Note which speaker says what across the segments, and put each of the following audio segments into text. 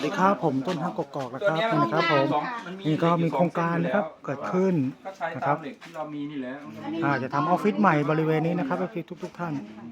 Speaker 1: ดีครับผมต้นฮักกกอกนะครับนี่นะครับผมนี่ก็มีโครงการนะครับเกิดขึ้น
Speaker 2: ก็ใช้
Speaker 1: นะค
Speaker 2: ตา
Speaker 1: รั
Speaker 2: ม
Speaker 1: บ
Speaker 2: เหล็กที่เรามีนี่แหละ
Speaker 1: จะทำออฟฟิศใหม่บริเวณนี้นะครับทุกท่าน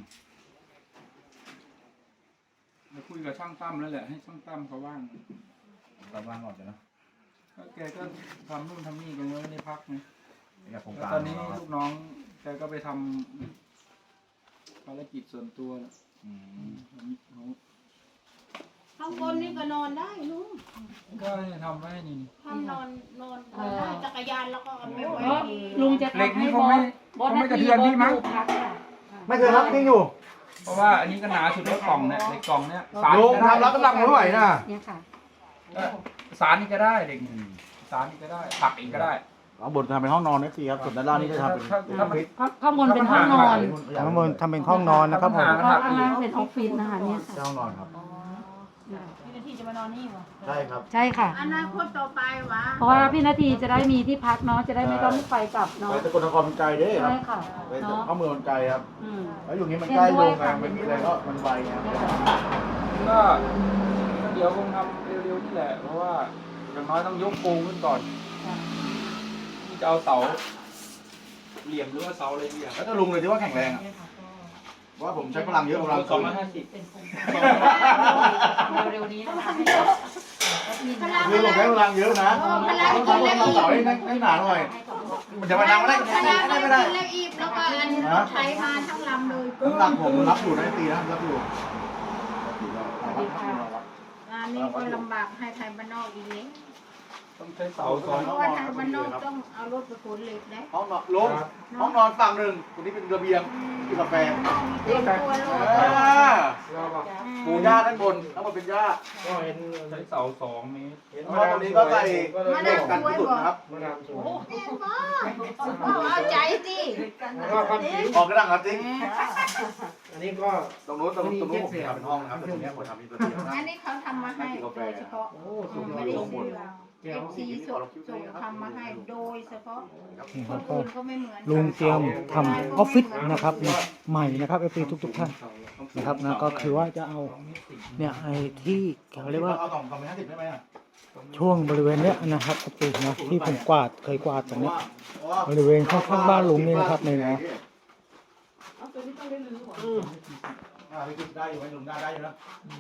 Speaker 2: มาคุยกับช่างตั้มแล้วแหละให้ช่างตั้มเขาว่าง
Speaker 3: ตามว่างก่อนนะ
Speaker 2: แกก็ทำนู่นทำนี่กันไม่ได้พักไง
Speaker 3: อยากโครง
Speaker 2: แล้ว
Speaker 3: การ
Speaker 2: ตอนนี้ลูกน้องแกก็ไปทำภารกิจส่วนตัวแล้วเขา
Speaker 4: ข้างบนนี่ก็นอนได้ลุง
Speaker 2: ก็ให้ทำไว้นี่
Speaker 4: ทำนอนได้จักรยานแล้วก็เอาไปไว้ที่
Speaker 5: ลุงจะ
Speaker 2: เหล็ก
Speaker 5: ทำให้
Speaker 2: นี่
Speaker 5: บ
Speaker 2: ค
Speaker 5: อง
Speaker 2: ไม่
Speaker 5: สบอส
Speaker 2: คงไม่กระเทือนพี่มั้ง
Speaker 5: พักค่ะ
Speaker 3: ไม่เคยรับนี่อยู่
Speaker 2: เพราะว่าอันนี้ก็หนาสุดแล้วกล่องเนี่ยเหล็กกล่องเนี่ยสาร
Speaker 3: ลุง
Speaker 2: ก็ได้
Speaker 3: ทำรับกำลังไม่ไหวนะ
Speaker 5: เนี่ยค่ะ
Speaker 2: สารนี่ก็ได้เหล็กสารนี่ก็ได้ปักอีกก็ได้
Speaker 3: เอาบนทำเป็นห้องนอนนะสิครับส่วนด้านล่างนี่จะทำเป็น
Speaker 2: ถ้ามัน
Speaker 5: ข้างบนเป็นห้องนอน
Speaker 1: ข้างบนทำเป็นห้องนอนนะครับผม
Speaker 5: แล้วก็ข้างล่างเป็นออฟฟิศนะคะเนี่ยค่ะ
Speaker 3: ห้องนอนครับ
Speaker 4: พี่นาทีจะมานอนนี่เหรอ
Speaker 3: ใช่ครับ
Speaker 5: ใช่ค่ะ
Speaker 4: อนาคตต่อไปวะ
Speaker 5: เพราะว่าพี่นาทีจะได้มีที่พักเนาะจะได้ไม่ต้องไปกลับ
Speaker 3: ไป
Speaker 5: เนาะ
Speaker 3: ตะกนนครมันไกลเด้ครั
Speaker 5: ใช่
Speaker 3: บ
Speaker 5: ค่ะ
Speaker 3: ไป
Speaker 5: เนาะ
Speaker 3: เข้าเมืองมันไกลครับ
Speaker 5: อืม
Speaker 3: แล้วอยู่นี้มันใกล้โรงงานมันมีอะไรก็มันไวครับ
Speaker 2: ก็เดี๋ยวคงทำเร็วๆนี่แหละ เพราะว่าอย่างน้อยต้องยกปูขึ้นก่อนที่จะเอาเสาเหลี่ยมหรือว่าเสาอะไรดีอ่ะ
Speaker 3: แล้วถ้าลุงเลยที่ว่าแข็งแรงอ่ะว่าผมใช้พลังเยอะกว่า
Speaker 2: สอง
Speaker 3: เรา
Speaker 2: ร้อยห้าสิบ
Speaker 5: เร็วๆนี้นะคะ
Speaker 4: พลัง
Speaker 3: คือผมใช้พลังเยอะนะ
Speaker 4: พลัง
Speaker 3: ต้อง
Speaker 4: กิน
Speaker 3: ทำ
Speaker 4: เล็ก
Speaker 3: ต้อง
Speaker 4: อี
Speaker 3: เสาให้หนาหน่อย มันจะมาดังไม่ได้
Speaker 4: พลัง
Speaker 3: ไม่
Speaker 4: กิน
Speaker 3: ได้
Speaker 4: เล็กอีกแล้วก็อันใช้มาทั้งลำเลย
Speaker 3: น้ำหนักผมรับอยู่นะตีนะรับอยู่
Speaker 4: งานนี้ก็ลำบากให้ไทยบ้านนอกอีกเลย
Speaker 2: ต้องใช้เสาสอง
Speaker 4: เพราะว่าไทยบ้านนอกต้องเอารถไปขนเหล็กได้
Speaker 3: ห้องนอนลงห้องนอนฝั่งหนึ่งตรงนี้เป็นระเบียงกินกาแฟ
Speaker 4: เต็มตัวโลด
Speaker 3: ปูหญ้าด้านบนทั้งหมดเป็นหญ้า
Speaker 2: ใช้เสา2 เมตร
Speaker 3: แล้วตรงนี้ก็ใส่เหล็กกันสุดนะครับ
Speaker 4: แม่ก็เอาใจสิ
Speaker 3: ออกกระดังครับจริง
Speaker 6: อันนี้ก็
Speaker 3: ตรงนู้นผมทำเป็นห้องนะครับแต่ตรงนี้ผมทำเป็นระเบียงนะ
Speaker 4: อันนี้เขาทำมาให้โดยเฉพาะ
Speaker 6: โอ้สุดยอ
Speaker 4: ไม่
Speaker 6: ด
Speaker 4: ได้
Speaker 6: ลงหม
Speaker 4: ซื้
Speaker 6: ด
Speaker 4: อเอฟซีส่งทำมาให้โดยเฉพาะ
Speaker 1: นี่
Speaker 4: ค
Speaker 1: ครั
Speaker 4: น
Speaker 1: บก็
Speaker 4: อื่นก็ไม่เหมือน
Speaker 1: ลุงเตรียมทำออฟฟิศนะครับใหม่นะครับทุกท่านนะครับนะก็คือว่าจะเอาเนี่ยไอ้ที่เขาเรียกว่า
Speaker 3: เอา2 250ได้ไหมอ่ะ
Speaker 1: ช่วงบริเวณเนี้ยนะครับนะที่ผมเคยกวาดตรงเนี้ย
Speaker 3: เพราะว่า
Speaker 1: บริเวณข้างๆบ้านลุงนี่นะครับนี่นะ
Speaker 3: พี่คิดได้อยู่ไหมลุงได้อยู่นะ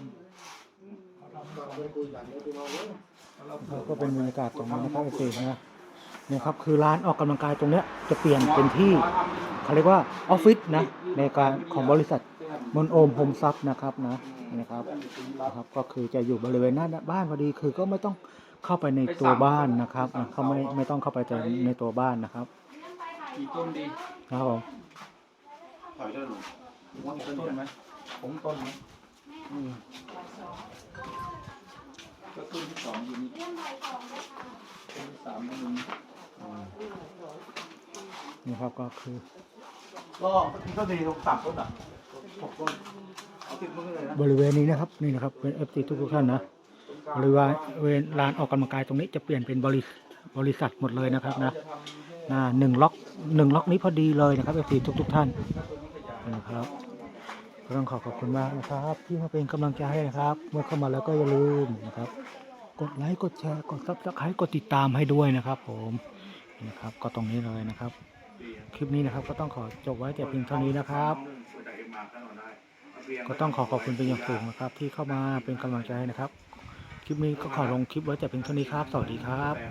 Speaker 1: ก็เป็นบรรยากาศตรงนี้นะครับนะเนี่ยครับคือร้านออกกำลังกายตรงเนี้ยจะเปลี่ยนเป็นที่เขาเรียกว่าออฟฟิศนะในการของบริษัทมนโอมโฮมซับนะครับนะครับก็คือจะอยู่บริเวณหน้าบ้านพอดีคือก็ไม่ต้องเข้าไปในตัวบ้านนะครับเขาไม่ต้องเข้าไปในตัวบ้านนะครับ
Speaker 2: กี่ต้นดี
Speaker 1: ครับผม
Speaker 3: ถอยได้ลุงว่ามีต้น
Speaker 2: ต้นไหมผมต้นไหมก็ต้นที่2อยู่นี่ต้นที่3ก็อยู่นี่
Speaker 1: นี่ครับก็คือ
Speaker 3: ก็มีต้นดีลุง3 ต้นอ่ะ6 ต้นเอาติดมือเลยนะ
Speaker 1: บริเวณนี้นะครับนี่นะครับเป็น FT ทุกท่านนะบริเวณลานออกกำลังกายตรงนี้จะเปลี่ยนเป็นบริษัทหมดเลยนะครับนะ1 ล็อกนี้พอดีเลยนะครับ FT ทุกท่านนะครับก็ต้องขอบคุณมากนะครับที่มาเป็นกำลังใจให้นะครับ เมื่อเข้ามาแล้วก็อย่าลืมนะครับกดไลค์กดแชร์กดซับสไครต์กดติดตามให้ด้วยนะครับผมนะครับก็ตรงนี้เลยนะครับคลิปนี้นะครับก็ต้องขอจบไว้แต่เพียงเท่านี้นะครับ ก็ต้องขอบคุณเป็นอย่างสูงนะครับที่เข้ามาเป็นกำลังใจให้นะครับ คลิปนี้ก็ขอลงคลิปไว้แต่เพียงเท่านี้ครับ สวัสดีครับ